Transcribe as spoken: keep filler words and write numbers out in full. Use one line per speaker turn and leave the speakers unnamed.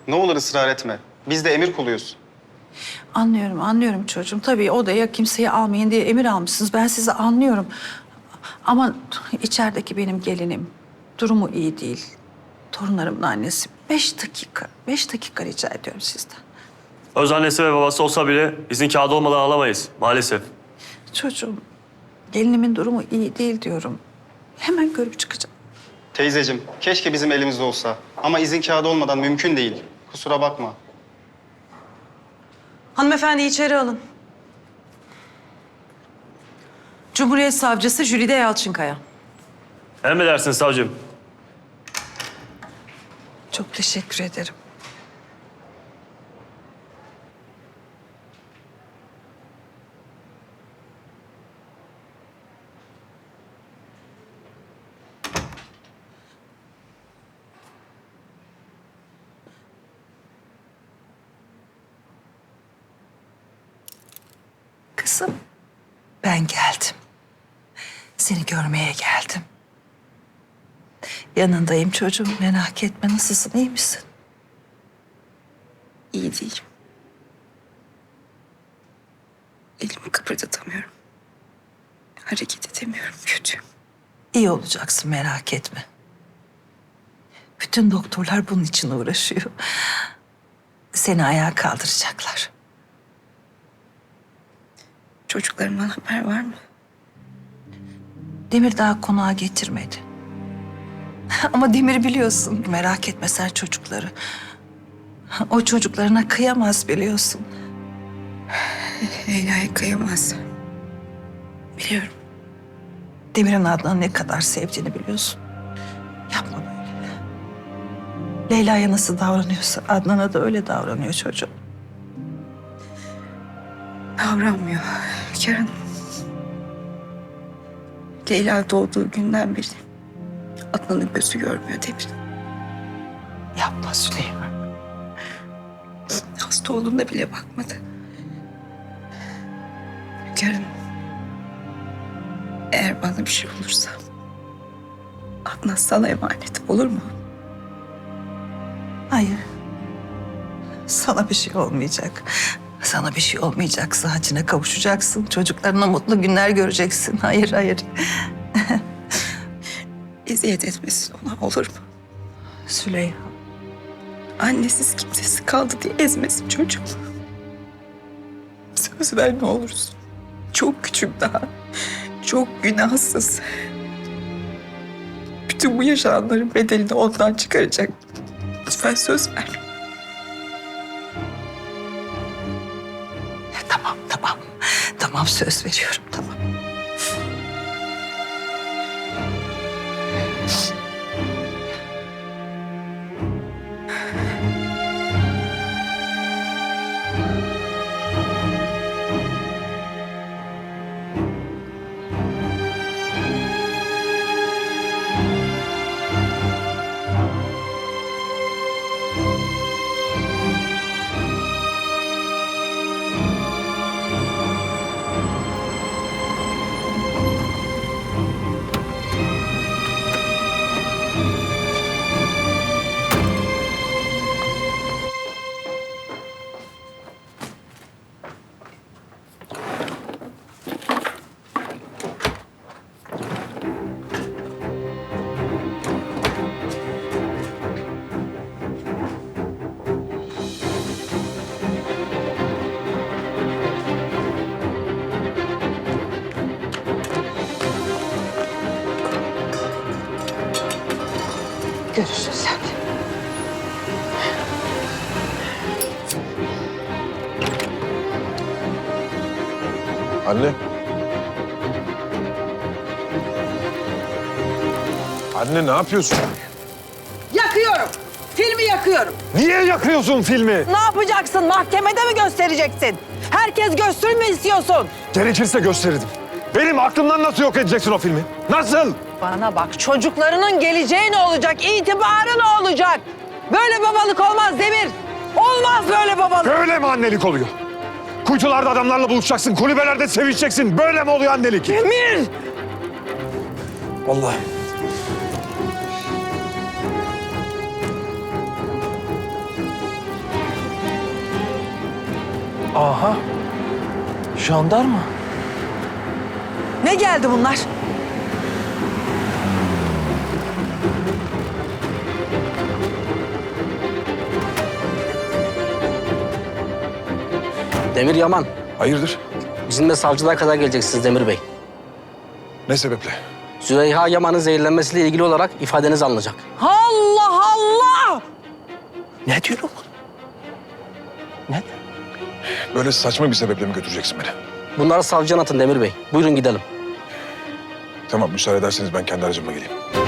Ne olur ısrar etme. Biz de emir kuluyuz.
Anlıyorum, anlıyorum çocuğum. Tabii odaya kimseyi almayın diye emir almışsınız. Ben sizi anlıyorum. Ama içerideki benim gelinim durumu iyi değil. Torunlarımın annesi. Beş dakika, beş dakika rica ediyorum sizden.
Öz annesi ve babası olsa bile izin kağıdı olmadan alamayız maalesef.
Çocuğum, gelinimin durumu iyi değil diyorum. Hemen görüp çıkacağım.
Teyzeciğim, keşke bizim elimizde olsa. Ama izin kağıdı olmadan mümkün değil. Kusura bakma.
Hanımefendi içeri alın. Cumhuriyet Savcısı Jülide Yalçınkaya.
Emredersiniz savcım.
Çok teşekkür ederim. Kızım, ben geldim. Seni görmeye geldim. Yanındayım çocuğum, merak etme. Nasılsın, iyi misin?
İyi değilim. Elimi kıpırdatamıyorum. Hareket edemiyorum, kötüyüm.
İyi olacaksın, merak etme. Bütün doktorlar bunun için uğraşıyor. Seni ayağa kaldıracaklar.
Çocuklarımdan haber var mı?
Demir daha konağa getirmedi. Ama Demir biliyorsun, merak etme sen çocukları. O çocuklarına kıyamaz biliyorsun.
Leyla'ya kıyamaz. Biliyorum.
Demir'in Adnan'ı ne kadar sevdiğini biliyorsun. Yapma böyle. Leyla'ya nasıl davranıyorsa Adnan'a da öyle davranıyor çocuğum.
Davranmıyor. Kerem. Leyla doğduğu günden beri Adnan'ın gözü görmüyor Demir.
Yapma Süleyman.
Hasta olduğunda bile bakmadı. Kerem. Eğer bana bir şey olursa Adnan sana emanet olur mu?
Hayır. Sana bir şey olmayacak. Sana bir şey olmayacak. Sıhhatine kavuşacaksın. Çocuklarına mutlu günler göreceksin. Hayır, hayır.
Eziyet etmesin ona olur mu?
Süleyman.
Annesiz kimsesi kaldı diye ezmesin çocuğum. Söz ver ne olursun. Çok küçük daha. Çok günahsız. Bütün bu yaşananların bedelini ondan çıkaracak. Lütfen söz ver.
Tamam, tamam. Tamam, söz veriyorum, tamam. Görüşürüz hadi.
Anne. Anne ne yapıyorsun?
Yakıyorum. Filmi yakıyorum.
Niye yakıyorsun filmi?
Ne yapacaksın? Mahkemede mi göstereceksin? Herkes görsün mü istiyorsun?
Gerekirse gösterirdim. Benim aklımdan nasıl yok edeceksin o filmi? Nasıl?
Bana bak, çocuklarının geleceği ne olacak? İtibarı ne olacak? Böyle babalık olmaz Demir. Olmaz böyle babalık.
Böyle mi annelik oluyor? Kuytularda adamlarla buluşacaksın, kulübelerde sevişeceksin. Böyle mi oluyor annelik?
Demir!
Vallahi.
Aha. Jandarma.
Ne geldi bunlar?
Demir Yaman,
Hayırdır?
bizimle savcılığa kadar geleceksiniz Demir Bey.
Ne sebeple?
Züleyha Yaman'ın zehirlenmesiyle ilgili olarak ifadeniz alınacak.
Allah Allah!
Ne diyor oğlum? Ne?
Böyle saçma bir sebeple mi götüreceksin beni?
Bunları savcıya atın Demir Bey. Buyurun gidelim.
Tamam, müsaade ederseniz ben kendi aracımla geleyim.